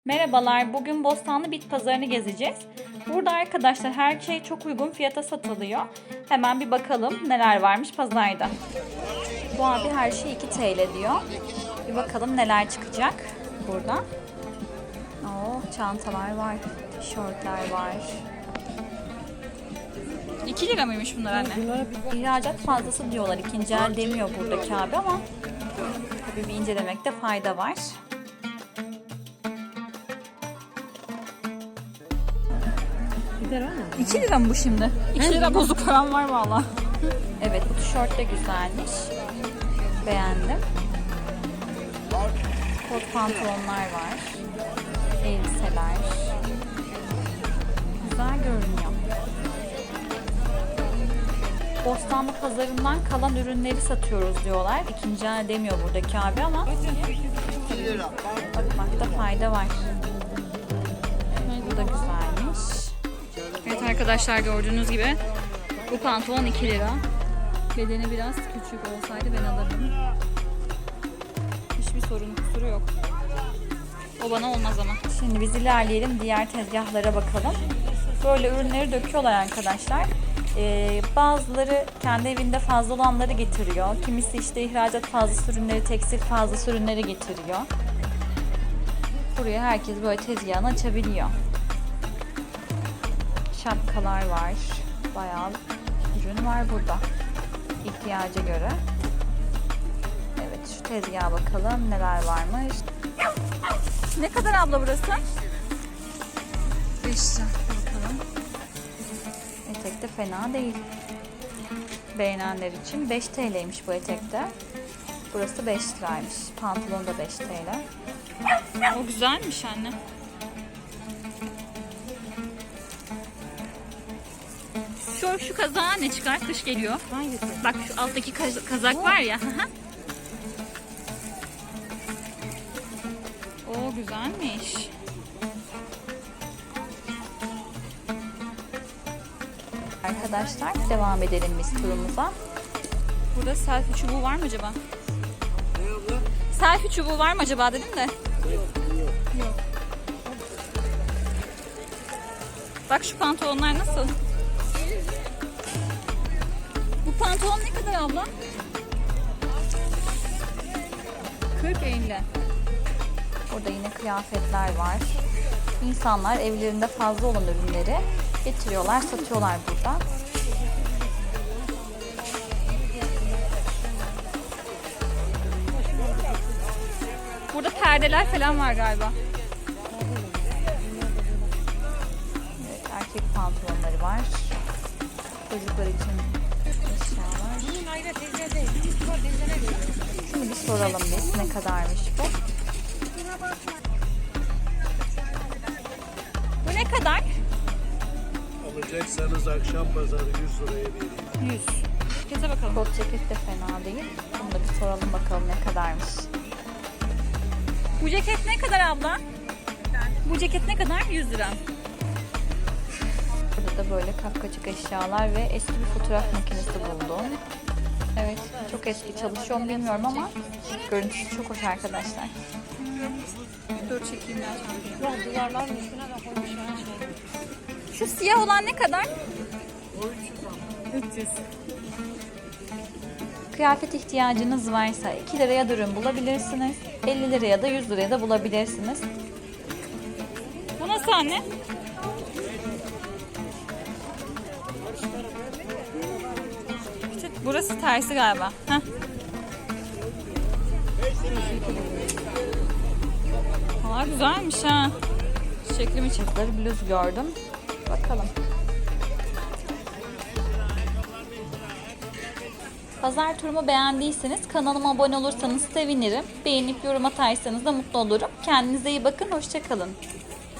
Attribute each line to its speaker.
Speaker 1: Merhabalar, bugün Bostanlı Bit Pazarı'nı gezeceğiz. Burada arkadaşlar her şey çok uygun fiyata satılıyor. Hemen bir bakalım neler varmış pazarda. Bu abi her şey 2 TL diyor. Bir bakalım neler çıkacak burada. Oo, çantalar var, tişörtler var. 2 lira mıymış bunlar anne? İhracat fazlası diyorlar. İkinci el demiyor buradaki abi ama tabii bir incelemekte fayda var. 2 lira mı bu şimdi? 2 lira bozuk param var valla. Evet, bu tişört de güzelmiş. Beğendim. Kot pantolonlar var. Elbiseler. Güzel görünüyor. Bostanlı pazarından kalan ürünleri satıyoruz diyorlar. İkinci el demiyor buradaki abi ama bakmakta fayda var. Bu da güzelmiş. Evet arkadaşlar, gördüğünüz gibi bu pantolon 2 lira. Bedeni biraz küçük olsaydı ben alırdım. Hiçbir sorun kusuru yok. O bana olmaz ama. Şimdi biz ilerleyelim, diğer tezgahlara bakalım. Böyle ürünleri döküyorlar arkadaşlar. Bazıları kendi evinde fazla olanları getiriyor. Kimisi işte ihracat fazlası ürünleri, tekstil fazlası ürünleri getiriyor. Buraya herkes böyle tezgahını açabiliyor. Şapkalar var. Bayağı ürün var burada. İhtiyaca göre. Evet, şu tezgaha bakalım neler varmış. Ne kadar abla burası? 5 lira. Bakalım. Etek de fena değil. Beğenenler için 5 TL'ymiş bu etekte. Burası 5 liraymış. Pantolon da 5 TL. O güzelmiş anne. Şu kazağa ne çıkar? Kış geliyor. Hangisi? Bak şu alttaki kazak var ya. O güzelmiş. Arkadaşlar devam edelim biz turumuza. Burada selfie çubuğu var mı acaba?
Speaker 2: Ne abla?
Speaker 1: Selfie çubuğu var mı acaba dedim de. Yok. Bak şu pantolonlar nasıl? Bu pantolon ne kadar abla? 40-50. Burada yine kıyafetler var. İnsanlar evlerinde fazla olan ürünleri getiriyorlar, satıyorlar burada. Burada perdeler falan var galiba. Evet, erkek pantolonları var. Çocuklar için eşyalar. Şunu bir soralım biz, ne kadarmış bu? Bu ne kadar?
Speaker 2: Alacaksanız akşam pazarı 100 liraya vereyim.
Speaker 1: 100. Cekete bakalım. Kot ceket de fena değil. Bunu da bir soralım bakalım ne kadarmış. Bu ceket ne kadar abla? Bu ceket ne kadar? 100 lira. Burada da böyle kapkacık eşyalar ve eski bir fotoğraf makinesi buldum. Evet, çok eski, çalışıyor mu bilmiyorum ama görüntüsü çok hoş arkadaşlar. Dur çekeyim ben.
Speaker 3: Yok, duvarların üstüne de koymuşlar her şey.
Speaker 1: Şu siyah olan ne kadar?
Speaker 3: 300.
Speaker 1: Kıyafet ihtiyacınız varsa 2 liraya da ürün bulabilirsiniz. 50 liraya da 100 liraya da bulabilirsiniz. Bu nasıl anne? İşte burası tersi galiba. Heh. Aa, güzelmiş ha. Çiçekli miçekli bluz gördüm. Bakalım. Pazar turumu beğendiyseniz kanalıma abone olursanız sevinirim. Beğenip yorum atarsanız da mutlu olurum. Kendinize iyi bakın. Hoşça kalın.